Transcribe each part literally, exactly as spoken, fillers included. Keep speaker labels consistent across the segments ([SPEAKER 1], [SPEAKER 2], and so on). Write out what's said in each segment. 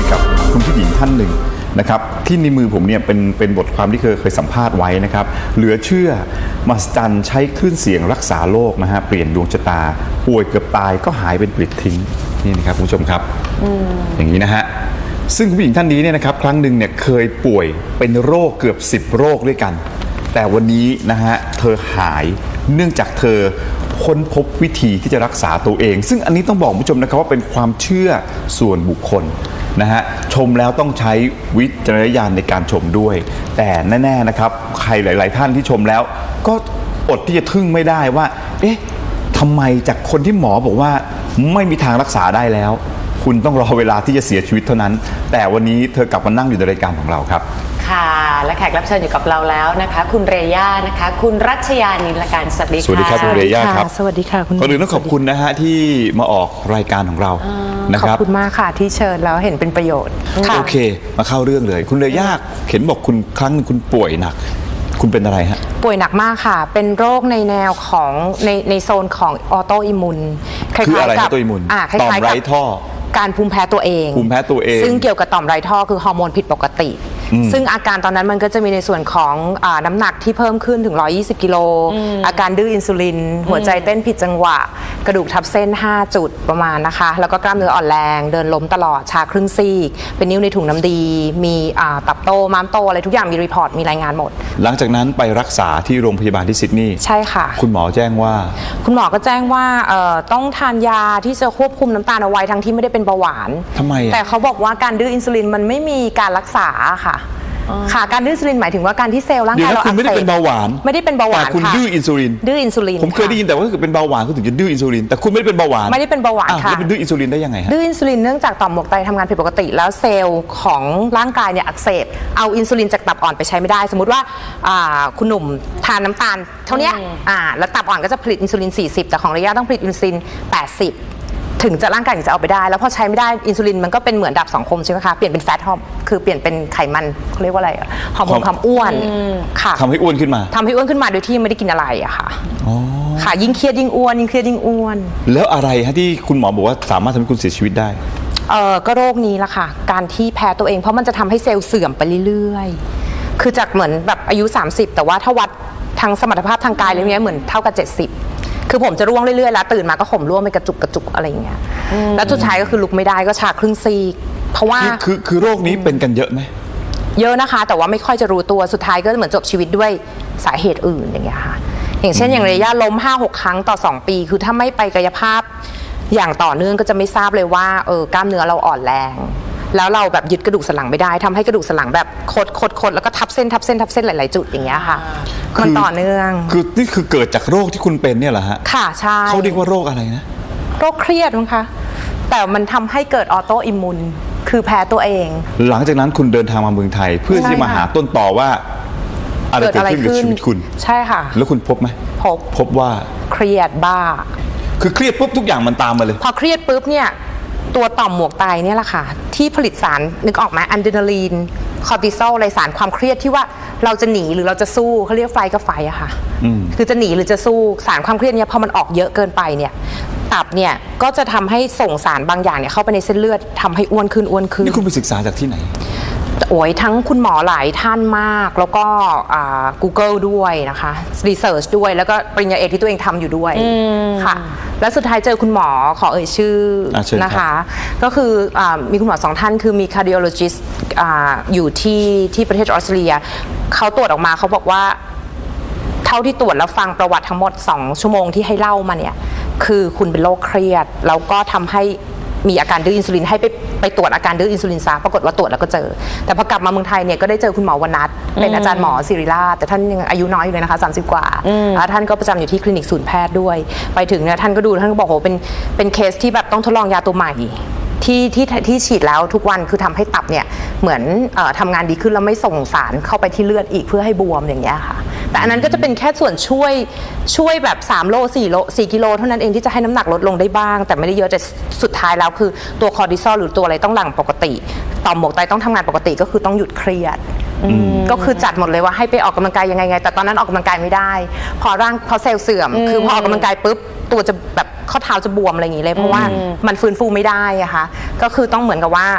[SPEAKER 1] กับคุณผู้หญิงท่านหนึ่งนะครับที่ในมือผมเนี่ยเป็นเป็นบทความที่เคยเคยสัมภาษณ์ไว้นะครับเหลือเชื่อมหัศจรรย์ใช้คลื่นเสียงรักษาโรคนะฮะเปลี่ยนดวงชะตาป่วยเกือบตายก็หายเป็นปลิดทิ้งนี่นะครับคุณผู้ชมครับ อ, อย่างนี้นะฮะซึ่งคุณผู้หญิงท่านนี้เนี่ยนะครับครั้งหนึ่งเนี่ยเคยป่วยเป็นโรคเกือบสิบโรคด้วยกันแต่วันนี้นะฮะเธอหายเนื่องจากเธอค้นพบวิธีที่จะรักษาตัวเองซึ่งอันนี้ต้องบอกคุณผู้ชมนะครับว่าเป็นความเชื่อส่วนบุคคลนะฮะชมแล้วต้องใช้วิจารณญาณในการชมด้วยแต่แน่ๆนะครับใครหลายๆท่านที่ชมแล้วก็อดที่จะทึ่งไม่ได้ว่าเอ๊ะทำไมจากคนที่หมอบอกว่าไม่มีทางรักษาได้แล้วคุณต้องรอเวลาที่จะเสียชีวิตเท่านั้นแต่วันนี้เธอกลับมานั่งอยู่ในรายการของเราครับ
[SPEAKER 2] ค่ะและแขกรับเชิญอยู่กับเราแล้วนะคะคุณเรย่านะคะคุณรัชยานิลการสวัสดีค่ะ
[SPEAKER 1] สวัสดีครับคุณเรย่าครับ
[SPEAKER 3] สวัสดีค่ะคุณ
[SPEAKER 1] ก่อนอื่นต้องขอบคุณนะฮะที่มาออกรายการของเรานะครับ
[SPEAKER 3] ขอบคุณมากค่ะที่เชิญแล้วเห็นเป็นประโยชน์
[SPEAKER 1] โอเคมาเข้าเรื่องเลยคุณเรย่าเห็นบอกคุณครั้งนึงคุณป่วยหนักคุณเป็นอะไรฮะ
[SPEAKER 3] ป่วยหนักมากค่ะเป็นโรคในแนวของในในโซนของออโตอิมูน
[SPEAKER 1] คืออะไรออโตอิมูนต่อมไร้ท่อ
[SPEAKER 3] การภูมิแพ้ตัวเอง
[SPEAKER 1] ภูมิแพ้ตัวเอง
[SPEAKER 3] ซึ่งเกี่ยวกับต่อมไร้ท่อคือฮอร์โมนผิดปกติซึ่งอาการตอนนั้นมันก็จะมีในส่วนของอ่าน้ำหนักที่เพิ่มขึ้นถึงหนึ่งร้อยยี่สิบกิโลอาการดื้ออินซูลินหัวใจเต้นผิดจังหวะกระดูกทับเส้นห้าจุดประมาณนะคะแล้วก็กล้ามเนื้ออ่อนแรงเดินล้มตลอดชาครึ่งซีกเป็นนิ้วในถุงน้ำดีมีอ่าตับโตม้ามโตอะไรทุกอย่างมีรีพอร์ตมีรายงานหมด
[SPEAKER 1] หลังจากนั้นไปรักษาที่โรงพยาบาลที่ซิดนีย์
[SPEAKER 3] ใช่ค่ะ
[SPEAKER 1] คุณหมอแจ้งว่า
[SPEAKER 3] คุณหมอก็แจ้งว่าต้องทานยาที่จะควบคุมน้ำตาลเอาไว้ทั้งที่ไม่ได้เป็นเบาหวาน
[SPEAKER 1] ทำไม
[SPEAKER 3] แต่เขาบอกว่าการดื้ออินซูลินมันไม่มีการรักษาค่ะค่ะการดื้ออินซูลินหมายถึงว่าการที่เซลล์ร่างกายเราอักเสบ
[SPEAKER 1] คุณไม่ได้เป็นเบาหวาน
[SPEAKER 3] ไม่ได้เป็นเบาหวาน
[SPEAKER 1] แต่คุณดื้ออินซูลิน
[SPEAKER 3] ดื้ออินซูลิน
[SPEAKER 1] ผมเคยได้ยินแต่ว่าถ้าเกิดเป็นเบาหวานคุณถึงจะดื้ออินซูลินแต่คุณไม่ได้เป็นเบาหวาน
[SPEAKER 3] ไม่ได้เป็นเบาหวานค่ะ
[SPEAKER 1] แล้วเป็นดื้ออินซูลินได้ยังไงฮะ
[SPEAKER 3] ดื้ออินซูลินเนื่องจากต่อมหมวกไตทำงานผิดปกติแล้วเซลล์ของร่างกายเนี่ยอักเสบเอาอินซูลินจากตับอ่อนไปใช้ไม่ได้สมมติว่าคุณหนุ่มทานน้ำตาลเท่านี้แล้วตับอ่อนก็จะผลิตอินซูลินสี่สิบแต่ของระยะต้องผลิตอินซูลินแปดสิบถึงจะร่างกายถึงจะเอาไปได้แล้วพอใช้ไม่ได้อินซูลินมันก็เป็นเหมือนดาบสองคมใช่ไหมคะเปลี่ยนเป็นแฟตฮอร์โมนคือเปลี่ยนเป็นไขมันเขาเรียกว่าอะไรฮอร์โมนความอ้วนค่ะ
[SPEAKER 1] ทำให้อ้วนขึ้นมา
[SPEAKER 3] ทำให้อ้วนขึ้นมาโดยที่ไม่ได้กินอะไรอะค่ะค่ะยิ่งเครียดยิ่งอ้วนยิ่งเครียดยิ่งอ้วน
[SPEAKER 1] แล้วอะไรฮะที่คุณหมอบอกว่าสามารถทำให้คุณเสียชีวิตได้
[SPEAKER 3] เออก็โรคนี้ละค่ะการที่แพ้ตัวเองเพราะมันจะทำให้เซลล์เสื่อมไปเรื่อยๆคือจากเหมือนแบบอายุสามสิบแต่ว่าถ้าวัดทางสมรรถภาพทางกายอะไรเงี้ยเหมือนเท่ากับเจ็ดสิบคือผมจะร่วงเรื่อยๆแล้วตื่นมาก็ข่มร่วงไปกระจุกกระจุกอะไรอย่างเงี้ยแล้วสุดท้ายก็คือลุกไม่ได้ก็ชาครึ่งซีกเพราะว่า
[SPEAKER 1] คือคือโรคนี้เป็นกันเยอะไหม
[SPEAKER 3] เยอะนะคะแต่ว่าไม่ค่อยจะรู้ตัวสุดท้ายก็เหมือนจบชีวิตด้วยสาเหตุอื่นอย่างเงี้ยค่ะอย่างเช่นอย่างระยะล้ม ห้าหก ครั้งต่อสองปีคือถ้าไม่ไปกายภาพอย่างต่อเนื่องก็จะไม่ทราบเลยว่าเออกล้ามเนื้อเราอ่อนแรงแล้วเราแบบยึดกระดูกสันหลังไม่ได้ทำให้กระดูกสันหลังแบบคดคดคดแล้วก็ทับเส้นทับเส้นทับเส้นหลายๆจุดอย่างเงี้ยค่ะมันต่อเนื่อง
[SPEAKER 1] คือนี่คือเกิดจากโรคที่คุณเป็นเนี่ยเหรอฮะ
[SPEAKER 3] ค่ะใช่
[SPEAKER 1] เขาเรียกว่าโรคอะไรนะ
[SPEAKER 3] โรคเครียดมั้งคะแต่มันทำให้เกิดออโตอิมมูนคือแพ้ตัวเอง
[SPEAKER 1] หลังจากนั้นคุณเดินทางมาเมืองไทยเพื่อที่มาหาต้นต่อว่าอะไรเกิดขึ้นกับชีวิตคุณ
[SPEAKER 3] ใช่ค่ะ
[SPEAKER 1] แล้วคุณพบไหม
[SPEAKER 3] พบ
[SPEAKER 1] พบว่า
[SPEAKER 3] เครียดบ้า
[SPEAKER 1] คือเครียดปุ๊บทุกอย่างมันตามมาเลย
[SPEAKER 3] พอเครียดปุ๊บเนี่ยตัวต่อมหมวกไตเนี่ยแหละค่ะที่ผลิตสารนึกออกไหมอะดรีนาลีนคอร์ติซอลอะไรสารความเครียดที่ว่าเราจะหนีหรือเราจะสู้เขาเรียกไฟกับไฟอะค่ะคือจะหนีหรือจะสู้สารความเครียดเนี่ยพอมันออกเยอะเกินไปเนี่ยตับเนี่ยก็จะทำให้ส่งสารบางอย่างเนี่ยเข้าไปในเส้นเลือดทำให้อ้วนขึ้นอ้วนขึ้น
[SPEAKER 1] นี่คุณไปศึกษาจากที่ไหน
[SPEAKER 3] โอ้ยทั้งคุณหมอหลายท่านมากแล้วก็ Google ด้วยนะคะรีเสิร์ชด้วยแล้วก็ปริญญาเอกที่ตัวเองทำอยู่ด้วยค่ะแล้วสุดท้ายเจอคุณหมอขอเอ่ยชื่อนะคะก็คืออมีคุณหมอสองท่านคือมี cardiologist ออยู่ที่ที่ประเทศออสเตรเลียเขาตรวจออกมาเขาบอกว่าเท่าที่ตรวจแล้วฟังประวัติทั้งหมดสองชั่วโมงที่ให้เล่ามาเนี่ยคือคุณเป็นโรคเครียดแล้วก็ทำให้มีอาการดื้ออินซูลินให้ไปไปตรวจอาการดื้ออินซูลินซะปรากฏว่าตรวจแล้วก็เจอแต่พอกลับมาเมืองไทยเนี่ยก็ได้เจอคุณหมอวนัทเป็นอาจารย์หมอศิริราชแต่ท่านยังอายุน้อยอยู่เลยนะคะสามสิบกว่าท่านก็ประจำอยู่ที่คลินิกศูนย์แพทย์ด้วยไปถึงเนี่ยท่านก็ดูท่านก็บอกโหเป็นเป็นเคสที่แบบต้องทดลองยาตัวใหม่ที่ที่ที่ฉีดแล้วทุกวันคือทำให้ตับเนี่ยเหมือนเอ่อทำงานดีขึ้นแล้วไม่ส่งสารเข้าไปที่เลือดอีกเพื่อให้บวมอย่างเงี้ยค่ะแต่อันนั้นก็จะเป็นแค่ส่วนช่วยช่วยแบบสามโลสี่โลสี่กิโลเท่านั้นเองที่จะให้น้ำหนักลดลงได้บ้างแต่ไม่ได้เยอะแต่สุดท้ายแล้วคือตัวคอร์ติซอลหรือตัวอะไรต้องหลั่งปกติต่อมหมวกไตต้องทำงานปกติก็คือต้องหยุดเครียดก็คือจัดหมดเลยว่าให้ไปออกกำลังกายยังไงไงแต่ตอนนั้นออกกำลังกายไม่ได้พอร่างพอเซลล์เสื่อมคือพอออกกำลังกายปุ๊บตัวจะแบบข้อเท้าจะบวมอะไรอย่างนี้เลยเพราะว่ามันฟื้นฟูไม่ได้อะค่ะก็คือต้องเหมือนกับว่า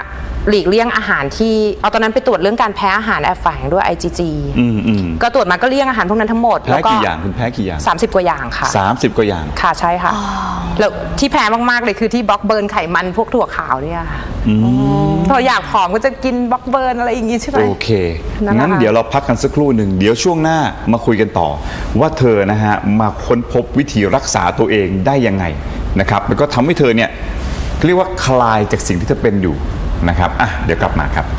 [SPEAKER 3] หลีกเลี่ยงอาหารที่เอาตอนนั้นไปตรวจเรื่องการแพ้อาหารแอบแฝงด้วย ไอ จี จี
[SPEAKER 1] อืมอืม
[SPEAKER 3] ก็ตรวจมาก็เลี่ยงอาหารพวกนั้นทั้งหมด
[SPEAKER 1] แพ้กี่อย่างคุณแพ้กี่อย่าง
[SPEAKER 3] สามสิบกว่าอย่างค่ะ
[SPEAKER 1] สามสิบกว่าอย่าง
[SPEAKER 3] ค่ะใช่ค่ะแล้วที่แพ้มากๆเลยคือที่บล็อกเบิร์นไขมันพวกถั่วขาวเนี่ยค่ะพออยากผอมก็จะกินบล็อกเบิร์นอะไรอย่างงี้ใช่ไหม
[SPEAKER 1] โอเค
[SPEAKER 3] นั่นแหละ
[SPEAKER 1] งั้นเดี๋ยวเราพักกันสักครู่หนึ่งเดี๋ยวช่วงหน้ามาคุยกันต่อ ว่าเธอนะฮะมาค้นพบวิธีรักษาตัวเองได้ยังไงนะครับแล้วก็ทำให้เธอเนี่ยเรียกว่าคลายจากสิ่งที่เธอเป็นอยู่นะครับอ่ะเดี๋ยวกลับมาครับ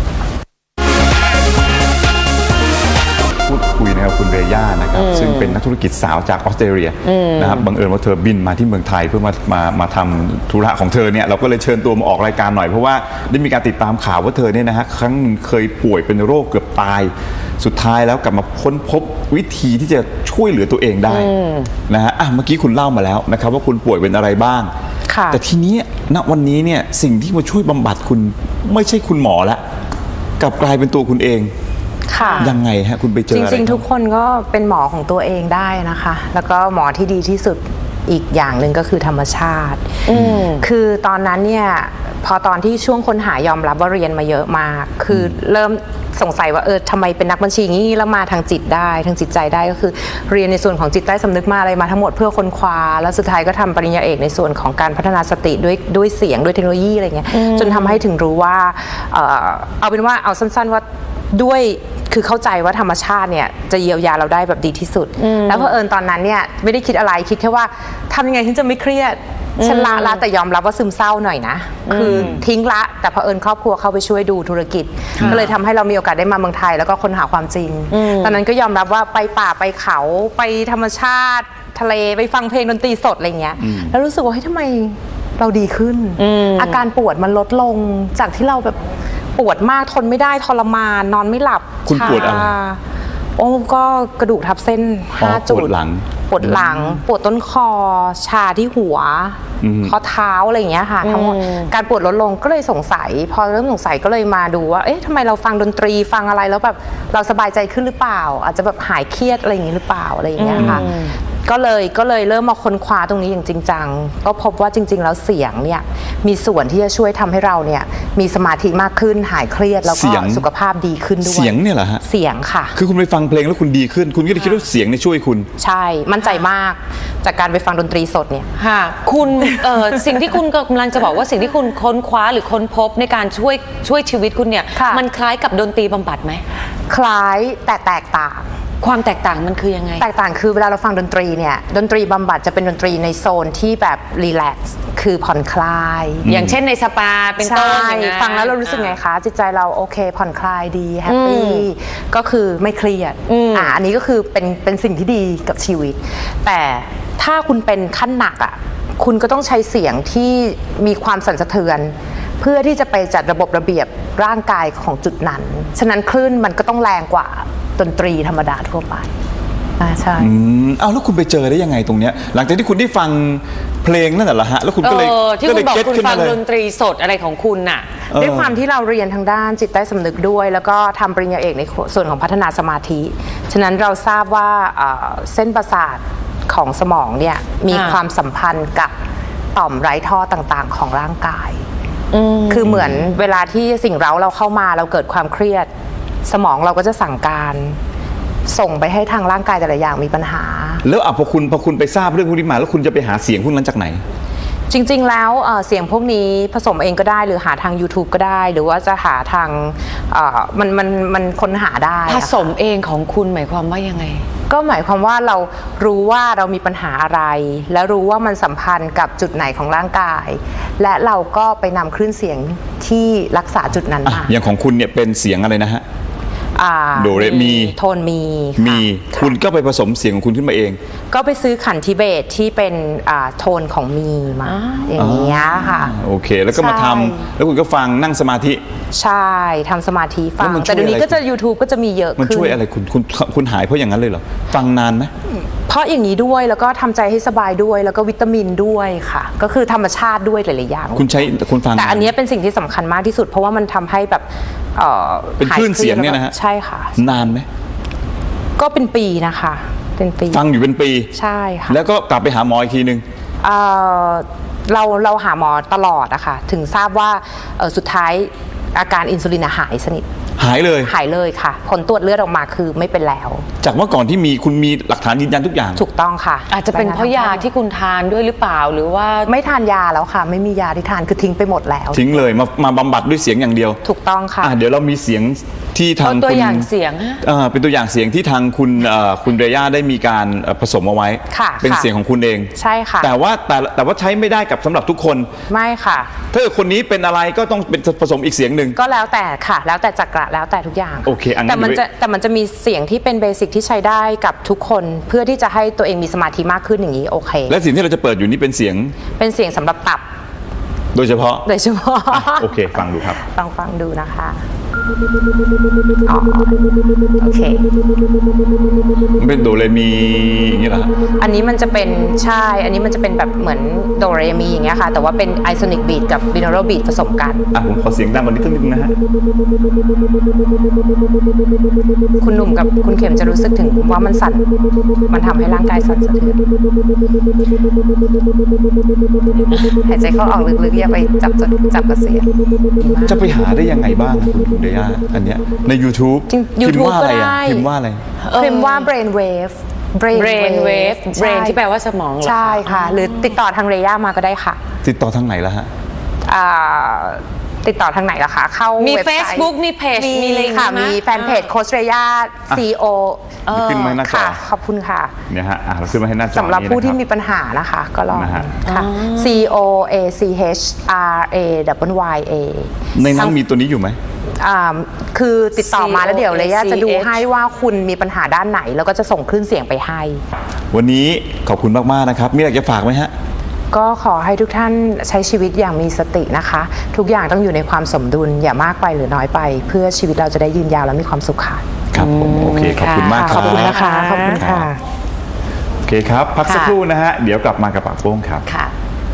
[SPEAKER 1] พูดคุยนะครับคุณเรย่านะครับซึ่งเป็นนักธุรกิจสาวจากออสเตรเลียนะครับบังเอิญว่าเธอบินมาที่เมืองไทยเพื่อมามามาทำธุระของเธอเนี่ยเราก็เลยเชิญตัวมาออกรายการหน่อยเพราะว่าได้มีการติดตามข่าวว่าเธอเนี่ยนะฮะครั้งหนึ่งเคยป่วยเป็นโรคเกือบตายสุดท้ายแล้วกลับมาค้นพบวิธีที่จะช่วยเหลือตัวเองได้นะฮะอ่ะเมื่อกี้คุณเล่ามาแล้วนะครับว่าคุณป่วยเป็นอะไรบ้างแต่ทีนี้ณวันนี้เนี่ยสิ่งที่มาช่วยบำบัดคุณไม่ใช่คุณหมอละกลับกลายเป็นตัวคุณเอง
[SPEAKER 3] ค่ะ
[SPEAKER 1] ยังไงฮะคุณไปเจอ
[SPEAKER 3] จ
[SPEAKER 1] อะไร
[SPEAKER 3] ริงๆทุกคนก็เป็นหมอของตัวเองได้นะคะ แล้วก็หมอที่ดีที่สุดอีกอย่างหนึ่งก็คือธรรมชาติคือตอนนั้นเนี่ยพอตอนที่ช่วงค้นหายอมรับว่าเรียนมาเยอะมากคือเริ่มสงสัยว่าเออทำไมเป็นนักบัญชีงี้แล้วมาทางจิตได้ทางจิตใจได้ก็คือเรียนในส่วนของจิตใต้สำนึกมาอะไรมาทั้งหมดเพื่อค้นคว้าแล้วสุดท้ายก็ทำปริญญาเอกในส่วนของการพัฒนาสติด้วยด้วยเสียงด้วยเทคโนโลยีอะไรเงี้ยจนทำให้ถึงรู้ว่าเออเอาเป็นว่าเอาสั้นๆว่าด้วยคือเข้าใจว่าธรรมชาติเนี่ยจะเยียวยาเราได้แบบดีที่สุดแล้วเพอเอิญตอนนั้นเนี่ยไม่ได้คิดอะไรคิดแค่ว่าทำยังไงถึงจะไม่เครียดฉันละละแต่ยอมรับว่าซึมเศร้าหน่อยนะคือทิ้งละแต่เผอิญครอบครัวเข้าไปช่วยดูธุรกิจก็เลยทำให้เรามีโอกาสได้มาเมืองไทยแล้วก็ค้นหาความจริงตอนนั้นก็ยอมรับว่าไปป่าไปเขาไปธรรมชาติทะเลไปฟังเพลงดนตรีสดอะไรเงี้ยแล้วรู้สึกว่าเฮ้ยทำไมเราดีขึ้นอาการปวดมันลดลงจากที่เราแบบปวดมากทนไม่ได้ทรมานนอนไม่หลับ
[SPEAKER 1] คุณปวดอะไร
[SPEAKER 3] โอ้ก็กระดูกทับเส้นห้าจุด
[SPEAKER 1] ปวดหลัง
[SPEAKER 3] ปวดหลังปวดต้นคอชาที่หัวข้อเท้าอะไรอย่างเงี้ยค่ะทั้งหมดการปวดลดลงก็เลยสงสัยพอเริ่มสงสัยก็เลยมาดูว่าเอ๊ะทำไมเราฟังดนตรีฟังอะไรแล้วแบบเราสบายใจขึ้นหรือเปล่าอาจจะแบบหายเครียดอะไรอย่างงี้หรือเปล่าอะไรอย่างเงี้ยค่ะก็เลยก็เลยเริ่มมาค้นคว้าตรงนี้อย่างจริงจังก็พบว่าจริงๆแล้วเสียงเนี่ยมีส่วนที่จะช่วยทำให้เราเนี่ยมีสมาธิมากขึ้นหายเครียดแล้วก็สุขภาพดีขึ้นด้วย
[SPEAKER 1] เสียงเนี่ยเหรอฮะ
[SPEAKER 3] เสียงค่ะ
[SPEAKER 1] คือคุณไปฟังเพลงแล้วคุณดีขึ้นคุณก็เลยคิดว่าเสียงเนี่ยช่วยคุณ
[SPEAKER 3] ใช่มั่นใจมากจากการไปฟังดนตรีสดเนี่ย
[SPEAKER 2] ค่ะคุณเอ่อ สิ่งที่คุณกำลังจะบอกว่าสิ่งที่คุณค้นคว้าหรือค้นพบในการช่วยช่วยชีวิตคุณเนี่ยมันคล้ายกับดนตรีบำบัดไหม
[SPEAKER 3] คล้ายแต่แตกต่าง
[SPEAKER 2] ความแตกต่างมันคือยังไง
[SPEAKER 3] แตกต่างคือเวลาเราฟังดนตรีเนี่ยดนตรีบำบัดจะเป็นดนตรีในโซนที่แบบรีแลกซ์คือผ่อนคลาย
[SPEAKER 2] อย่างเช่นในสปาเป็นต้น
[SPEAKER 3] ฟังแล้วเรารู้สึกไงคะจิตใจเราโอเคผ่อนคลายดีแฮปปี้ก็คือไม่เครียดอ่าอันนี้ก็คือเป็นเป็นสิ่งที่ดีกับชีวิตแต่ถ้าคุณเป็นขั้นหนักอ่ะคุณก็ต้องใช้เสียงที่มีความสั่นสะเทือนเพื่อที่จะไปจัดระบบระเบียบร่างกายของจุดนั้นฉะนั้นคลื่นมันก็ต้องแรงกว่าดนตรีธรรมดาทั่วไปอ่าใช่
[SPEAKER 1] อืมเอาแล้วคุณไปเจอได้ยังไงตรงเนี้ยหลังจากที่คุณได้ฟังเพลงนั่นแหละฮะแล้วคุณก็เลย
[SPEAKER 2] ที่คุณบอกคุณฟังดนตรีสดอะไรของคุณน่ะ
[SPEAKER 3] ด้วยความที่เราเรียนทางด้านจิตใต้สำนึกด้วยแล้วก็ทำปริญญาเอกในส่วนของพัฒนาสมาธิฉะนั้นเราทราบว่าเส้นประสาทของสมองเนี่ยมีความสัมพันธ์กับต่อมไร้ท่อต่างๆของร่างกายคือเหมือนเวลาที่สิ่งเร้าเราเข้ามาเราเกิดความเครียดสมองเราก็จะสั่งการส่งไปให้ทางร่างกายแต่ละอย่างมีปัญหา
[SPEAKER 1] แล้วอ่ะพอคุณพอคุณไปทราบเรื่องพวกนี้มาแล้วคุณจะไปหาเสียงพวกนั้นจากไหน
[SPEAKER 3] จริงๆแล้วเสียงพวกนี้ผสมเองก็ได้หรือหาทาง YouTube ก็ได้หรือว่าจะหาทางมันมันมันค้นหาได้
[SPEAKER 2] ผสมเองของคุณหมายความว่ายังไง
[SPEAKER 3] ก็หมายความว่าเรารู้ว่าเรามีปัญหาอะไรและรู้ว่ามันสัมพันธ์กับจุดไหนของร่างกายและเราก็ไปนำคลื่นเสียงที่รักษาจุดนั้นมา
[SPEAKER 1] อย่างของคุณเนี่ยเป็นเสียงอะไรนะฮะโดเรมี
[SPEAKER 3] โทนมี
[SPEAKER 1] มีคุณก็ไปผสมเสียงของคุณขึ้นมาเอง
[SPEAKER 3] ก็ไปซื้อขันทิเบตที่เป็นโทนของมีมาอย่างเงี้ยค่ะ
[SPEAKER 1] โอเคแล้วก็มาทำแล้วคุณก็ฟังนั่งสมาธิ
[SPEAKER 3] ใช่ทำสมาธิฟังแต่เดี๋ยวนี้ก็จะ YouTube ก็จะมีเยอะขึ้น
[SPEAKER 1] มันช่วยอะไรคุณคุณคุณหายเพราะอย่างนั้นเลยเหรอฟังนานไหม
[SPEAKER 3] เพราะอย่างนี้ด้วยแล้วก็ทำใจให้สบายด้วยแล้วก็วิตามินด้วยค่ะก็คือธรรมชาติด้วยหลายๆอย่าง
[SPEAKER 1] คุณใช้คุณฟัง
[SPEAKER 3] แต่อันนี้เป็นสิ่งที่สำคัญมากที่สุดเพราะว่ามันทำให้แบบ
[SPEAKER 1] เป็นคลื่นเสียงเนี่ยนะฮะ
[SPEAKER 3] ใช่ค่ะ
[SPEAKER 1] นานไหม
[SPEAKER 3] ก็เป็นปีนะคะเป็นปี
[SPEAKER 1] ฟังอยู่เป็นปี
[SPEAKER 3] ใช่ค่ะ
[SPEAKER 1] แล้วก็กลับไปหาหมออีกทีนึง
[SPEAKER 3] เเราเราหาหมอตลอดอะค่ะถึงทราบว่าสุดท้ายอาการอินซูลินอะหายสนิท
[SPEAKER 1] หายเลย
[SPEAKER 3] หายเลยค่ะ ผลตรวจเลือดออกมาคือไม่เป็นแล้ว
[SPEAKER 1] จากเมื่อก่อนที่มีคุณมีหลักฐานยืนยันทุกอย่าง
[SPEAKER 3] ถูกต้องค่ะ
[SPEAKER 2] อาจจะเป็นเพราะยาที่คุณทานด้วยหรือเปล่าหรือว่า
[SPEAKER 3] ไม่ทานยาแล้วค่ะ ไม่มียาที่ทานคือทิ้งไปหมดแล้ว
[SPEAKER 1] ทิ้งเลยมามาบำบัดด้วยเสียงอย่างเดียว
[SPEAKER 3] ถูกต้องค่ะ
[SPEAKER 1] อ่ะเดี๋ยวเรามีเสียงที่ทาง
[SPEAKER 2] เอาตัว
[SPEAKER 1] คุณ
[SPEAKER 2] อย่างเสียงฮะ
[SPEAKER 1] เอ่อเป็นตัวอย่างเสียงที่ทางคุณเอ่อคุณเรย่าได้มีการเอ่อผสมเอาไว้
[SPEAKER 3] ค่ะ
[SPEAKER 1] เป็น
[SPEAKER 3] ค่ะ
[SPEAKER 1] เสียงของคุณเอง
[SPEAKER 3] ใช่ค่ะ
[SPEAKER 1] แต่ว่าแต่แต่ว่าใช้ไม่ได้กับสำหรับทุกคน
[SPEAKER 3] ไม่ค่ะ
[SPEAKER 1] ถ้าเกิดคนนี้เป็นอะไรก็ต้องเป็นผสมอีกเสียงหนึ่ง
[SPEAKER 3] ก็แล้วแต่ค่ะ แล้วแต่จักระแล้วแต่ทุกอย่าง
[SPEAKER 1] โอเคอันนั้น
[SPEAKER 3] แต่มัน
[SPEAKER 1] เดี๋ยว
[SPEAKER 3] จะแต่มันจะมีเสียงที่เป็นเบสิกที่ใช้ได้กับทุกคนเพื่อที่จะให้ตัวเองมีสมาธิมากขึ้นอย่างนี้โอเค
[SPEAKER 1] และเสียงที่เราจะเปิดอยู่นี่เป็นเสียง
[SPEAKER 3] เป็นเสียงสำหรับตับ
[SPEAKER 1] โดยเฉพาะ
[SPEAKER 3] โดยเฉพาะ
[SPEAKER 1] อ่ะโอเค ฟังดูครับ
[SPEAKER 3] ลองฟังดูนะคะอ๋อโอเค
[SPEAKER 1] มันเป็นโดเรมีอย่างนี้เหรอฮะ
[SPEAKER 3] อันนี้มันจะเป็นใช่ อันนี้มันจะเป็นแบบเหมือนโดเรมีอย่างเงี้ยค่ะ แต่ว่าเป็นไอโซนิกบีทกับบิโนโรบีทผสมกัน
[SPEAKER 1] อ่ะผมขอเสียงดังกว่านี้สักนิดนึงนะฮะ
[SPEAKER 3] คุณหนุ่มกับคุณเข็มจะรู้สึกถึงว่ามันสั่น มันทำให้ร่างกายสั่นสะเทือนหายใจเข้าออกลึกๆอย่าไปจับจับกระเสียง
[SPEAKER 1] จะไปหาได้ยังไงบ้างคุณคุณเดย่าอันเนี้ยใน YouTube
[SPEAKER 3] จริง
[SPEAKER 1] พิมพ์
[SPEAKER 3] YouTube
[SPEAKER 1] ว่าอะไรอ่ะ
[SPEAKER 3] ก็ได้
[SPEAKER 1] พิมพ์ว่าอะไร
[SPEAKER 3] พิมพ์ว่า brain wave brain
[SPEAKER 2] brain wave
[SPEAKER 3] ใช่
[SPEAKER 2] brain ที่แปลว่าสมองเหรอคะ
[SPEAKER 3] ใช่ค่ะ หรือติดต่อทางเรย่ามาก็ได้ค่ะ
[SPEAKER 1] ติดต่อทางไหนล่ะฮะ
[SPEAKER 3] อ่าติดต่อทางไหนล่ะคะ เข้า
[SPEAKER 2] มี
[SPEAKER 3] เว็บไซต์
[SPEAKER 2] Facebook มีเพจมีอะไรอย่างงี้
[SPEAKER 3] ค่ะ
[SPEAKER 2] ไหม
[SPEAKER 3] มีแฟนเพจโคชเรย่า C O
[SPEAKER 1] ขึ้นมาให้หน้าจอ
[SPEAKER 3] ค่ะ ขอบคุณค่ะ
[SPEAKER 1] เนี่ยฮะอ่ะเราขึ้นมาให้หน้าจอ
[SPEAKER 3] สำหรับผู้ที่
[SPEAKER 1] นี้
[SPEAKER 3] มี
[SPEAKER 1] นะค
[SPEAKER 3] ปัญหานะคะ ก็ลอง
[SPEAKER 1] นะฮะ
[SPEAKER 3] ค่ะ C O A C H R A W Y A
[SPEAKER 1] ในนั้นมีตัวนี้อยู่ไหม
[SPEAKER 3] อ่าคือติดต่อมาแล้วเดี๋ยวเรย่าจะดู
[SPEAKER 2] C O A C H
[SPEAKER 3] ให้ว่าคุณมีปัญหาด้านไหน แล้วก็จะส่งคลื่นเสียงไปให้
[SPEAKER 1] วันนี้ขอบคุณมากๆนะครับมีอะไรจะฝากไหมฮะ
[SPEAKER 3] ก็ขอให้ทุกท่านใช้ชีวิตอย่างมีสตินะคะ ทุกอย่างต้องอยู่ในความสมดุลอย่ามากไปหรือน้อยไป เพื่อชีวิตเราจะได้ยืนยาวและมีความสุขค่ะ
[SPEAKER 1] ครับผมโอเคขอบคุณมากค
[SPEAKER 3] ข
[SPEAKER 1] รั
[SPEAKER 3] อ
[SPEAKER 1] บบ
[SPEAKER 3] คุณนะคะ ขอบคุณค่ะ
[SPEAKER 1] โอเคครับพักสัก
[SPEAKER 2] ค่ะ
[SPEAKER 1] ครู่นะฮะเดี๋ยวกลับมากับปากโป้งครับ
[SPEAKER 2] ค่ะ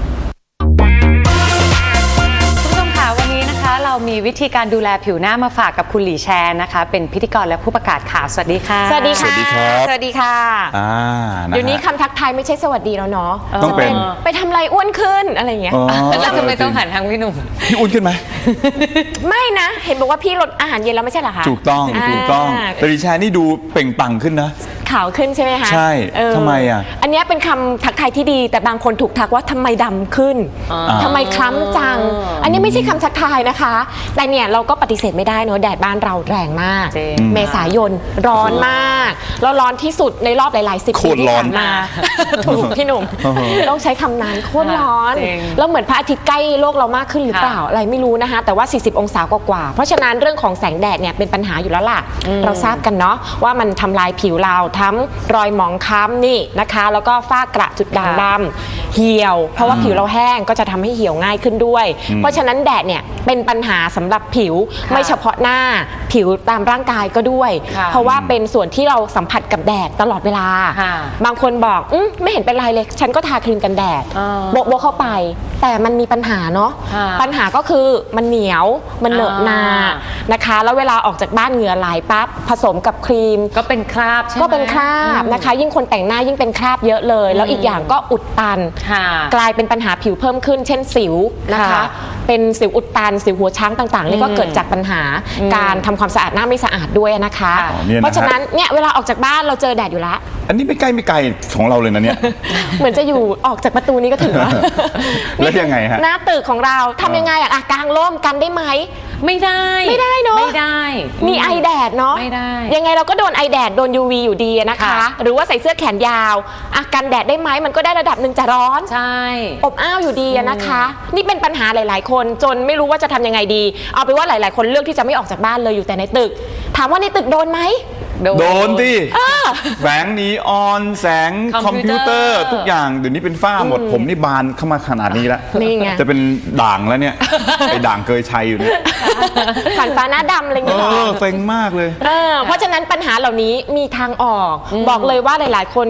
[SPEAKER 2] คุณผู้ชมค่ะวันนี้นะคะเรามีวิธีการดูแลผิวหน้ามาฝากกับคุณหลีแชนนะคะ เป็นพิธีกรและผู้ประกาศข่าวสวัสดีค่ะ
[SPEAKER 4] สวัสดีค่ะ
[SPEAKER 1] สวัสดีครับ
[SPEAKER 4] สวัสดีค่ะ
[SPEAKER 1] อ่าะฮะ
[SPEAKER 4] เดี๋ยวนี้คำทักทายไม่ใช่สวัสดีแล้วเนาะ
[SPEAKER 1] ต้องเป็น
[SPEAKER 4] จะไปทำอะไรอ้วนขึ้นอะไรอย่างเงี้ย
[SPEAKER 1] อ๋อ
[SPEAKER 2] แล้วทำไมต้องหันทางพี่หนุ่ม
[SPEAKER 1] พี่อุ่นขึ้นไหม
[SPEAKER 4] ไม่นะ เห็นบอกว่าพี่ลดอาหารเย็นแล้วไม่ใช่เหรอคะ
[SPEAKER 1] ถูกต้องถูกต้อง
[SPEAKER 4] า
[SPEAKER 1] แต่ดิฉันนี่ดูเปล่งปลั่งขึ้นนะ
[SPEAKER 4] ขาวขึ้นใช่ไหมคะ
[SPEAKER 1] ใช่
[SPEAKER 4] เออ
[SPEAKER 1] ทำไมอ่ะ
[SPEAKER 4] อันเนี้ยเป็นคำทักทายที่ดี แต่บางคนถูกทักว่าทำไมดำขึ้น
[SPEAKER 2] อ่า
[SPEAKER 4] ทำไมคล้ำจัง อันนี้ไม่ใช่คำทักทายนะคะ แต่เนี่ยเราก็ปฏิเสธไม่ได้เนอะแดดบ้านเราแรงมาก
[SPEAKER 2] จริง
[SPEAKER 4] เมษายนร้อนมากแล้วร้อนที่สุดในรอบหลายๆสิบ
[SPEAKER 1] โค
[SPEAKER 4] ปี
[SPEAKER 1] ตร
[SPEAKER 4] ที่
[SPEAKER 1] ร้อน
[SPEAKER 4] ผ่านมา ถูกพี่หนุ่ม ต้องใช้คำนั้นโคตรร้อน
[SPEAKER 2] จริง
[SPEAKER 4] แล้วเหมือนพระอาทิตย์ใกล้โลกเรามากขึ้นหรือเปล่า
[SPEAKER 2] ค่ะ
[SPEAKER 4] อะไรไม่รู้นะคะ แต่ว่า สี่สิบ องศากว่าๆเพราะฉะนั้นเรื่องของแสงแดดเนี่ยเป็นปัญหาอยู่แล้วล่ะ เราทราบกันเนาะว่ามันทำลายผิวเราทั้งรอยหมองคล้ำนี่นะคะ แล้วก็ฝ้ากระจุดด่างดำเหี่ยว เพราะว่าผิวเราแห้งก็จะทำให้เหี่ยวง่ายขึ้นด้วย เพราะฉะนั้นแดดเนี่ยเป็นปัญหาสำหรับผิว
[SPEAKER 2] ค่ะ
[SPEAKER 4] ไม่เฉพาะหน้าผิวตามร่างกายก็ด้วย
[SPEAKER 2] ค่ะ
[SPEAKER 4] เพราะว่าเป็นส่วนที่เราสัมผัสกับแดดตลอดเวลา
[SPEAKER 2] ค่ะ
[SPEAKER 4] บางคนบอกอมไม่เห็นเป็นไรเลย ฉันก็ทาครีมกันแดด
[SPEAKER 2] อ่า
[SPEAKER 4] โบะโบะเข้าไป แต่มันมีปัญหาเนาะ
[SPEAKER 2] ค่ะ
[SPEAKER 4] ปัญหาก็คือมันเหนียวมันเหนอะหนา
[SPEAKER 2] อ่า
[SPEAKER 4] นะคะ แล้วเวลาออกจากบ้านเหงื่อไหลปั๊บผสมกับครีม
[SPEAKER 2] ก็เป็นคราบใช่ไหม
[SPEAKER 4] ก็เป็นคราบนะคะ ยิ่งคนแต่งหน้ายิ่งเป็นคราบเยอะเลย แล้วอีกอย่างก็อุดตัน
[SPEAKER 2] ค่ะ
[SPEAKER 4] กลายเป็นปัญหาผิวเพิ่มขึ้น เช่นสิวนะคะ
[SPEAKER 2] ค่ะ
[SPEAKER 4] เป็นสิวอุดตันสิวหัวช้างต่างๆนี่ก็เกิดจากปัญหาการทำความสะอาดหน้าไม่สะอาดด้วยนะคะ
[SPEAKER 2] อ๋อ
[SPEAKER 1] เนี่ยนะฮะ
[SPEAKER 4] เพราะฉะนั้นเนี่ยเวลาออกจากบ้านเราเจอแดดอยู่แล้ว
[SPEAKER 1] อันนี้ไม่ใกล้ไม่ไกลของเราเลยนะเนี่ย
[SPEAKER 4] เหมือนจะอยู่ออกจากประตูนี้ก็ถึงแล้ว
[SPEAKER 1] แล้วยังไงฮะ
[SPEAKER 4] หน้าตึกของเราทำยังไงอะอ่ะกางร่มกันได้ไหม
[SPEAKER 2] ไม่ได้
[SPEAKER 4] ไม่ได้เนอะ
[SPEAKER 2] ไม่ได้
[SPEAKER 4] มีไอแดดเนาะ
[SPEAKER 2] ไม่ได้
[SPEAKER 4] ยังไงเราก็โดนไอแดดโดน ยู วี อยู่ดีอะนะคะ
[SPEAKER 2] ค่ะ
[SPEAKER 4] หรือว่าใส่เสื้อแขนยาวอ่ะกันแดดได้ไหมมันก็ได้ระดับหนึ่งจะร้อน
[SPEAKER 2] ใช่
[SPEAKER 4] อบอ้าวอยู่ดีอะนะคะ นี่เป็นปัญหาหลาย ๆ คนจนไม่รู้ว่าจะทำยังไงดี เอาไปนว่าหลาย ๆ คนเลือกที่จะไม่ออกจากบ้านเลยอยู่แต่ในตึก ถามว่าในตึกโดนไหม
[SPEAKER 1] โดนดิแสงนีออนแสงค
[SPEAKER 2] ค
[SPEAKER 1] อ
[SPEAKER 2] อ
[SPEAKER 1] ม
[SPEAKER 2] มพิ
[SPEAKER 1] พิว
[SPEAKER 2] ว
[SPEAKER 1] เต
[SPEAKER 2] เต
[SPEAKER 1] อ
[SPEAKER 2] อร์
[SPEAKER 1] ร์ทุกอย่างเดี๋ยวนี้เป็นฝ้าหมด ผมนี่บานเข้ามาขนาดนี้แล้ว
[SPEAKER 4] นี่ไง
[SPEAKER 1] จะเป็นด่างแล้วเนี่ย ไอ้ด่างเกยชัยอยู่เนี่ย
[SPEAKER 4] ฝันฟ้าหน้าดำอะไรอย่าง
[SPEAKER 1] เอ
[SPEAKER 4] เงี้ยเหรอ
[SPEAKER 1] อเซ็งมากเลย
[SPEAKER 4] เออเพราะฉะนั้นปัญหาเหล่านี้มีทางออก บอกเลยว่าหลาย ๆ คน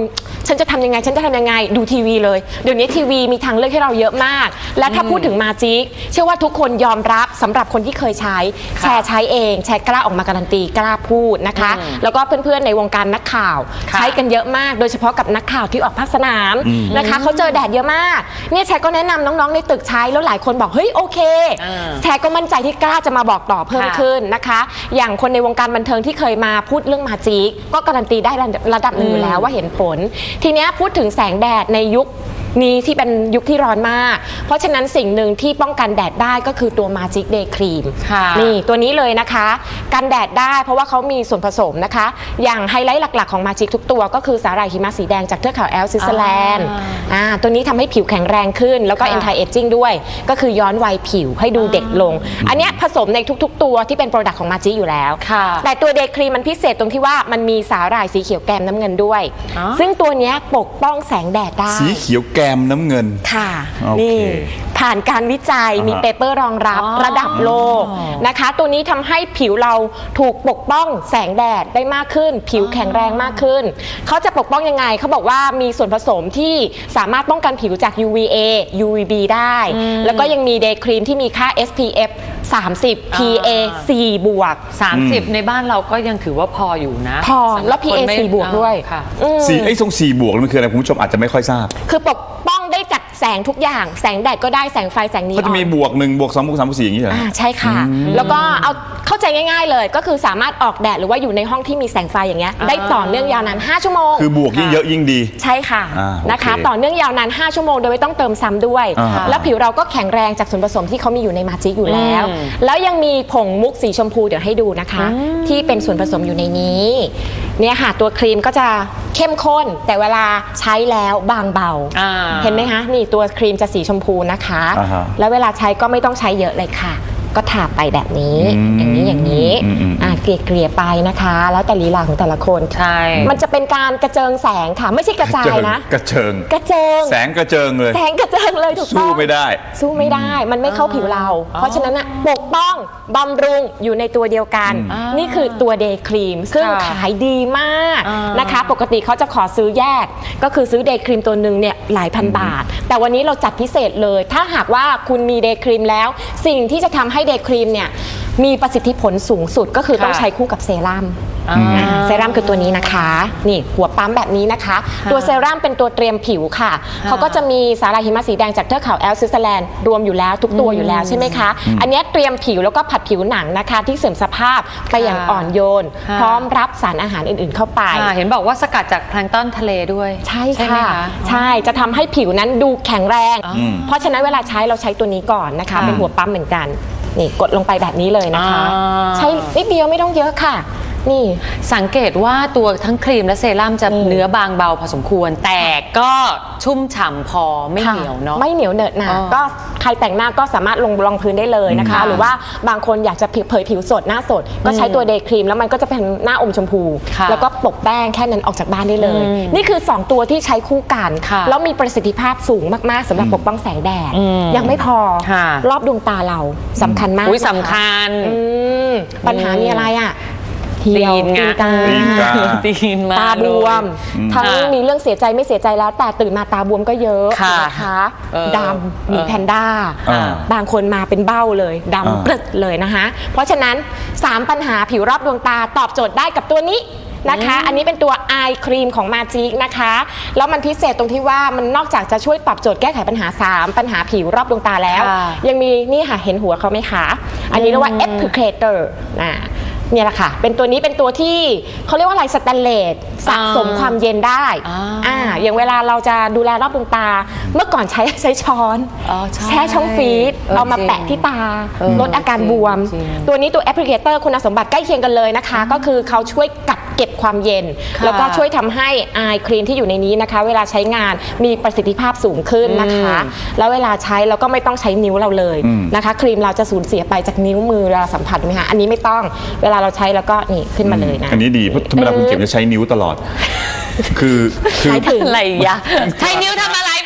[SPEAKER 4] ฉันจะทำยังไงฉันจะทำยังไงดูทีวีเลยเดี๋ยวนี้ทีวีมีทางเลือกให้เราเยอะมาก และถ้าพูดถึงมาจิกเชื่อว่าทุกคนยอมรับสำหรับคนที่เคยใช้แชร์ใช้เองแชร์กล้าออกมาการันตีกล้าพูดนะคะแล้วก็เพื่อนๆในวงการนักข่าวใช้กันเยอะมากโดยเฉพาะกับนักข่าวที่ออกภาคสนามนะคะเขาเจอแดดเยอะมากเนี่ยแชร์ก็แนะนำน้องๆในตึกใช้แล้วหลายคนบอกเฮ้ยโอเคแชร์ก็มั่นใจที่กล้าจะมาบอกต่อเพิ่มขึ้นนะคะอย่างคนในวงการบันเทิงที่เคยมาพูดเรื่องมาจิกก็การันตีได้ระดับหนึ่งอยู่แล้วว่าเห็นผลทีนี้พูดถึงแสงแดดในยุคนี้ที่เป็นยุคที่ร้อนมากเพราะฉะนั้นสิ่งหนึ่งที่ป้องกันแดดได้ก็คือตัว Magic Day Cream นี่ตัวนี้เลยนะคะกันแดดได้เพราะว่าเขามีส่วนผสมนะคะอย่างไฮไลท์หลักๆของ Magic ทุกตัวก็คือสาหร่ายหิมะสีแดงจากเทือกเขาแอลป์สวิตเซอร์แลนด์อ่าตัวนี้ทำให้ผิวแข็งแรงขึ้นแล้วก็ anti aging ด้วยก็คือย้อนวัยผิวให้ดูเด็กลงอันนี้ผสมในทุกๆตัวที่เป็นโปรดักต์ของ Magic อยู่แล้วแต่ตัว Day Cream มันพิเศษตรงที่ว่ามันมีสาหร่ายสีเขียวแกมน้ำเงินด้วยซึ่งตัวนี้ปกป้องแสงแดดได้
[SPEAKER 1] สีเขียวแกมน้ำเงิน
[SPEAKER 4] ค่ะนี่ผ่านการวิจัยมีเปเปอร์รองรับระดับโลกนะคะตัวนี้ทำให้ผิวเราถูกปกป้องแสงแดดได้มากขึ้นผิวแข็งแรงมากขึ้นเขาจะปกป้องยังไงเขาบอกว่ามีส่วนผสมที่สามารถป้องกันผิวจาก ยู วี เอ ยู วี บี ได้แล้วก็ยังมีเดย์ครีมที่มีค่า เอส พี เอฟ สามสิบ พี เอ สี่ บวก
[SPEAKER 2] สามสิบในบ้านเราก็ยังถือว่าพออยู่นะ
[SPEAKER 4] พอแล้ว พี เอ สี่ บวกด้วย
[SPEAKER 2] ค่ะ
[SPEAKER 1] สี่ไอ้ทรงสี่บวกมันคืออะไรคุณผู้ชมอาจจะไม่ค่อยทราบ
[SPEAKER 4] คือปกป้องได้จากแสงทุกอย่างแสงแดดก็ได้แสงไฟแสงนีออน
[SPEAKER 1] เขาจะมีบวกหนึ่งบวกสองบวกสามบวกสี่อย่างนี้เหรอ
[SPEAKER 4] อ่าใช่ค่ะแล้วก็เอาเข้าใจง่ายๆเลยก็คือสามารถออกแดดหรือว่าอยู่ในห้องที่มีแสงไฟอย่างเงี้ยได้ต่อเนื่องยาวนานห้าชั่วโมง
[SPEAKER 1] คือบวกยิ่งเยอะยิ่งดี
[SPEAKER 4] ใช่ค่ะนะคะต่อเนื่องยาวนานห้าชั่วโมงโดยไม่ต้องเติมซ้ำด้วยแล้วผิวเราก็แข็งแรงจากส่วนผสมที่เขามีอยู่ในมาจิกอยู่แล้วแล้วยังมีผงมุกสีชมพูเดี๋ยวให้ดูนะคะที่เป็นส่วนผสมอยู่ในนี้เนี่ยค่ะตัวครีมก็จะเข้มข้นแต่เวลาใช้แล้วบางเบาเห็นไหมคะนี่ตัวครีมจะสีชมพูนะคะแล้วเวลาใช้ก็ไม่ต้องใช้เยอะเลยค่ะก็ทาไปแบบนี้อย่างนี้อย่างนี้อ่าเกลี่ยๆไปนะคะแล้วแต่ลีลาของแต่ละคน
[SPEAKER 2] ใช่
[SPEAKER 4] มันจะเป็นการกระเจิงแสงค่ะไม่ใช่กระจายนะ
[SPEAKER 1] กระเจิง
[SPEAKER 4] กระเจิง
[SPEAKER 1] แสงกระเจิงเลย
[SPEAKER 4] แสงกระเจิงเลยถูกต้อง
[SPEAKER 1] สู้ไม่ได้
[SPEAKER 4] สู้ไม่ได้มันไม่เข้าผิวเราเพราะฉะนั้นปกป้องบำรุงอยู่ในตัวเดียวกันนี่คือตัวเดย์ครีมซึ่งขายดีมากนะคะปกติเขาจะขอซื้อแยกก็คือซื้อเดย์ครีมตัวหนึ่งเนี่ยหลายพันบาทแต่วันนี้เราจัดพิเศษเลยถ้าหากว่าคุณมีเดย์ครีมแล้วสิ่งที่จะทำให้เดย์ครีมเนี่ยมีประสิทธิผลสูงสุดก็คือต้องใช้คู่กับเซรั่มเซรั่มคือตัวนี้นะคะนี่หัวปั๊มแบบนี้นะคะตัวเซรั่มเป็นตัวเตรียมผิวค่ะเขาก็จะมีสาหร่ายหิมะสีแดงจากเทือกเขาแอลป์สวิตเซอร์แลนด์รวมอยู่แล้วทุกตัวอยู่แล้วใช่ไหมคะอันนี้เตรียมผิวแล้วก็ผัดผิวหนังนะคะที่เสื่อมสภาพไปอย่างอ่อนโยนพร้อมรับสารอาหารอื่นๆเข้าไป
[SPEAKER 2] เห็นบอกว่าสกัดจากแพลงก์ตอนทะเลด้วย
[SPEAKER 4] ใช่ค่ะใช่จะทำให้ผิวนั้นดูแข็งแรงเพราะฉะนั้นเวลาใช้เราใช้ตัวนี้ก่อนนะคะเป็นหัวปั๊มเหมือนกันนี่กดลงไปแบบนี้เลยนะคะใช้นิดเดียวไม่ต้องเยอะค่ะนี่
[SPEAKER 2] สังเกตว่าตัวทั้งครีมและเซรั่มจะเนื้อบางเบาพอสมควรแต่ก็ชุ่มฉ่ำพอไม่เหนียวเนาะ
[SPEAKER 4] ไม่เหนียวเหนอะหนะก็ใครแต่งหน้าก็สามารถลงรองพื้นได้เลยนะคะหรือว่าบางคนอยากจะเผยผิวสดหน้าสดก็ใช้ตัวเดย์ครีมแล้วมันก็จะเป็นหน้าอมชมพูแล้วก็ปกแป้งแค่นั้นออกจากบ้านได้เลยนี่คือสองตัวที่ใช้คู่กันแล้วมีประสิทธิภาพสูงมากๆสำหรับปกป้องแสงแดดยังไม่พอรอบดวงตาเราสำคัญมาก
[SPEAKER 2] สำคัญ
[SPEAKER 4] ปัญหามีอะไรอ่ะเหี่ยวตีนกา
[SPEAKER 2] ตีนมา
[SPEAKER 4] ตาบวมทั้งมีเรื่องเสียใจไม่เสียใจแล้วแต่ตื่นมาตาบวมก็เยอะนะคะดำมีแพนด้าบางคนมาเป็นเบ้าเลยดำปลึกเลยนะคะเพราะฉะนั้นสามปัญหาผิวรอบดวงตาตอบโจทย์ได้กับตัวนี้นะคะอันนี้เป็นตัว Eye Cream ของ Magic นะคะแล้วมันพิเศษตรงที่ว่ามันนอกจากจะช่วยตอบโจทย์แก้ไขปัญหาสามปัญหาผิวรอบดวงตาแล้วยังมีนี่ค่ะเห็นหัวเขาไหมคะอันนี้เรียกว่า Applicator นะเนี่ยแหละค่ะเป็นตัวนี้เป็นตัวที่เขาเรียกว่าอะไรสแตนเลสสะสมความเย็นได้อ่าอย่างเวลาเราจะดูแลรอบดวงตาเมื่อก่อนใช้ใช้ช้อนแช่ช่องฟรีซเอามาแปะที่ตาลดอาการบวมตัวนี้ตัวแอปพลิเคเตอร์คุณสมบัติใกล้เคียงกันเลยนะคะก็คือเขาช่วยกัดเก็บความเย็นแล้วก็ช่วยทำให้อายครีมที่อยู่ในนี้นะคะเวลาใช้งานมีประสิทธิภาพสูงขึ้นนะคะแล้วเวลาใช้เราก็ไม่ต้องใช้นิ้วเราเลยนะคะครีมเราจะสูญเสียไปจากนิ้วมือเราสัมผัสไหมคะอันนี้ไม่ต้องเวลาเราใช้แล้วก็นี่ขึ้นมาเลยนะ
[SPEAKER 1] อันนี้ดีเพราะธรรมดาคุณเข็มจะใช้นิ้วตลอดคือ
[SPEAKER 2] คืออะไรอย่าใช้นิ้วทำอะไรพูดให้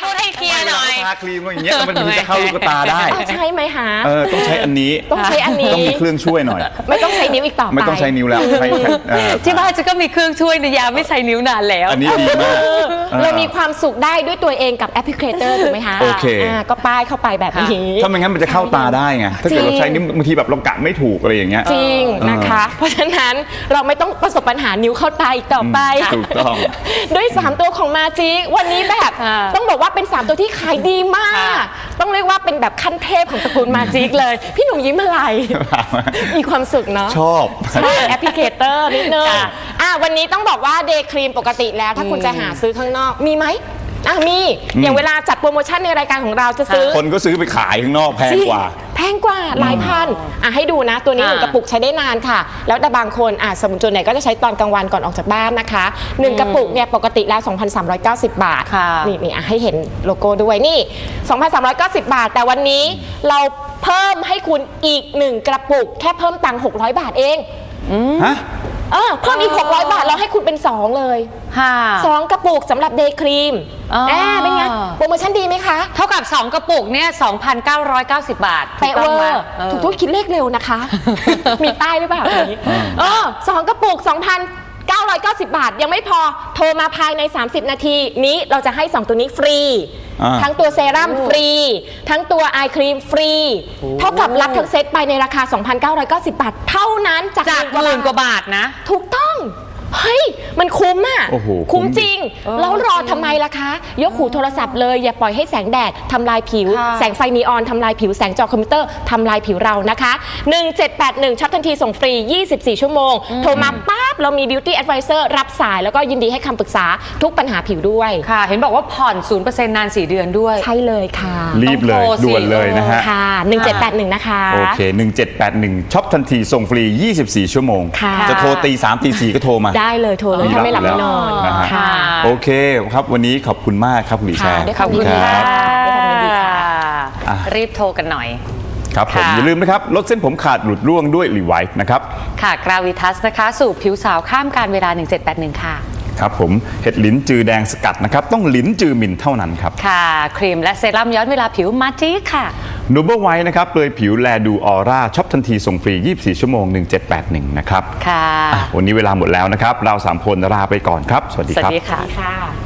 [SPEAKER 2] เคลียร์หน่อย
[SPEAKER 1] ทาครีมอย่างเงี้ยมันถึงจะเข้าลูกตาได้
[SPEAKER 4] เอาใช่ไหมฮะ
[SPEAKER 1] เออต้องใช้อันนี้
[SPEAKER 4] ต้องใช้อันนี้
[SPEAKER 1] ต้องมีเครื่องช่วยหน่อย
[SPEAKER 4] ไม่ต้องใช้นิ้วอีกต่อไป
[SPEAKER 1] ไม่ต้องใช้นิ้วแล้วใช้แค่เออ
[SPEAKER 2] ที่บ้านจะก็มีเครื่องช่วยนะยาไม่ใช้นิ้วนานแล้ว
[SPEAKER 1] อันนี้ดีมาก
[SPEAKER 4] เรามีความสุขได้ด้วยตัวเองกับแอปพลิเคเตอร์ถูกไหมคะ
[SPEAKER 1] โอเค
[SPEAKER 4] าก็ป้ายเข้าไปแบบนี้
[SPEAKER 1] ถ้าไม่งั้นมันจะเข้าตาได้ไงถ้าเกิดเราใช้นิ้วบางทีแบบเรากะไม่ถูกอะไรอย่างเงี้ย
[SPEAKER 4] จริงนะคะ เพราะฉะนั้นเราไม่ต้องประสบปัญหานิ้วเข้าตาอีกต่อไป
[SPEAKER 1] ถูกต้อง
[SPEAKER 4] ด้วยสามตัวของมาจิกวันนี้แบบ
[SPEAKER 2] ค่ะ
[SPEAKER 4] ต้องบอกว่าเป็นสามตัวที่ขายดีมาก
[SPEAKER 2] ค่ะ
[SPEAKER 4] ต้องเรียกว่าเป็นแบบขั้นเทพของตระกูลมาจิกเลย พี่หนุ่มยิ้มอะไร มีความสุขเนาะ
[SPEAKER 1] ชอบ
[SPEAKER 4] ใช่แอปพลิเคเตอร์นิดนึง
[SPEAKER 2] ค่ะ
[SPEAKER 4] อ่ะวันนี้ต้องบอกว่าเดย์ครีมปกติแล้ว ถ้าคุณจะหาซื้อข้างนอกมีไหมอ่ะมี อย่างเวลาจัดโปรโมชั่นในรายการของเราจะซื้อ
[SPEAKER 1] คนก็ซื้อไปขายข้างนอกแพงกว่า
[SPEAKER 4] แพงกว่าหลายพันอ่ะให้ดูนะ ตัวนี้ห
[SPEAKER 2] ค่ะ
[SPEAKER 4] นึ่งกระปุกใช้ได้นานค่ะ แล้วแต่บางคนอ่ะสมมติส่วนไหนก็จะใช้ตอนกลางวันก่อนออกจากบ้านนะคะหนึ่งกระปุกเนี่ยปกติแล้ว สองพันสามร้อยเก้าสิบ บาท
[SPEAKER 2] ค่ะ
[SPEAKER 4] นี่นี่อ่ะให้เห็นโลโก้ด้วยนี่ สองพันสามร้อยเก้าสิบ บาท แต่วันนี้เราเพิ่มให้คุณอีกหนึ่งกระปุก แค่เพิ่มตังค์หกร้อยบาทเอง
[SPEAKER 1] ฮะ
[SPEAKER 4] เออเพิ่มอีกหกร้อยบาทเราให้คุณเป็นสองเลย
[SPEAKER 2] ค่ะ
[SPEAKER 4] สองกระปุกสำหรับเดย์ครีม
[SPEAKER 2] อ๋อ
[SPEAKER 4] แอบเป็นไงโปรโมชั่นดีไหมคะ
[SPEAKER 2] เท่ากับ สอง กระปุกเนี่ย สองพันเก้าร้อยเก้าสิบ บาท
[SPEAKER 4] เป๊ะเวอ
[SPEAKER 2] ถูกต้องไหม
[SPEAKER 4] ร์
[SPEAKER 2] เออ
[SPEAKER 4] ถูกทุกคิดเลขเร็วนะคะ มีป้ายหรือเปล่าอันนี้เออสองกระปุก สองพันเก้าร้อยเก้าสิบ บาท ยังไม่พอโทรมาภายใน สามสิบ นาทีนี้เราจะให้ สอง ตัวนี้ฟรี
[SPEAKER 1] อ่า
[SPEAKER 4] ทั้งตัวเซรั่มฟรี ทั้งตัวไอครีมฟรี เท่ากับรับทั้งเซตไปในราคา สองพันเก้าร้อยเก้าสิบ บาท เท่านั้นจาก
[SPEAKER 2] จากหมื่นกว่าบาทนะ
[SPEAKER 4] ถูกต้อง เฮ้ย มันคุ้มอ่ะ
[SPEAKER 1] โอ้โห
[SPEAKER 4] คุ้ม
[SPEAKER 1] คุ้ม
[SPEAKER 4] จริง แล้วรอทำไมล่ะคะ ยกหูโทรศัพท์เลย อย่าปล่อยให้แสงแดดทำลายผิว
[SPEAKER 2] ค่ะ
[SPEAKER 4] แสงไฟนีออนทำลายผิว แสงจอคอมพิวเตอร์ทำลายผิวเรานะคะ หนึ่งเจ็ดแปดหนึ่งช็อปทันทีส่งฟรี ยี่สิบสี่ ชั่วโมง โทรมาปั๊บเรามี Beauty Advisor รับสายแล้วก็ยินดีให้คำปรึกษาทุกปัญหาผิวด้วย
[SPEAKER 2] ค่ะ เห็นบอกว่าผ่อน ศูนย์เปอร์เซ็นต์ นาน สี่ เดือนด้วย
[SPEAKER 4] ใช่เลยค่ะ
[SPEAKER 1] รีบเลย
[SPEAKER 2] ต้องโทรสิ
[SPEAKER 1] ด่วนเลยนะฮะ
[SPEAKER 4] ค่ะหนึ่งเจ็ดแปดหนึ่งนะคะ
[SPEAKER 1] โอเค หนึ่งเจ็ดแปดหนึ่งช็อปทันทีส่งฟรี ยี่สิบสี่ ชั่วโมง
[SPEAKER 4] ค่ะ
[SPEAKER 1] จะโทรตีสามตีสี่ก็โทรมา
[SPEAKER 4] ได้เลยโทรเลยถ้าไม่หลับไม่นอน
[SPEAKER 1] นะฮะ
[SPEAKER 4] ค่ะ
[SPEAKER 1] โอเคครับวันนี้ขอบคุณมากครับคุณหลีแชร์
[SPEAKER 4] ค่ะด้วย
[SPEAKER 2] ขอบคุณ
[SPEAKER 1] รั
[SPEAKER 2] ค่ะ
[SPEAKER 4] ด้วยความยินดีค่ะ
[SPEAKER 1] อ่ะ
[SPEAKER 2] รีบโทรกันหน่อย
[SPEAKER 1] ครับผม
[SPEAKER 2] ค่ะ
[SPEAKER 1] อย่าลืมนะครับ ลดเส้นผมขาดหลุดร่วงด้วยรีไวท์นะครับ
[SPEAKER 2] ค่ะ กราวิทัสนะคะ สู่ผิวสาวข้ามการเวลา หนึ่งเจ็ดแปดหนึ่ง ค่ะ
[SPEAKER 1] ครับผมเห็ดลิ้นจือแดงสกัดนะครับ ต้องลิ้นจือมินเท่านั้นครับ
[SPEAKER 2] ค่ะ ครีมและเซรั่มย้อนเวลาผิวมาจิค่ะ
[SPEAKER 1] นูเบอร์ไวท์นะครับเปลือยผิวแลดูออร่าช็อปทันทีส่งฟรี ยี่สิบสี่ ชั่วโมง หนึ่งเจ็ดแปดหนึ่ง นะครับ
[SPEAKER 2] ค่ะ
[SPEAKER 1] อ่ะวันนี้เวลาหมดแล้วนะครับ เราสามคนลาไปก่อนครับ สวัสดี
[SPEAKER 2] สวั
[SPEAKER 1] ครับ
[SPEAKER 2] สดีค่ะ
[SPEAKER 4] ค่ะ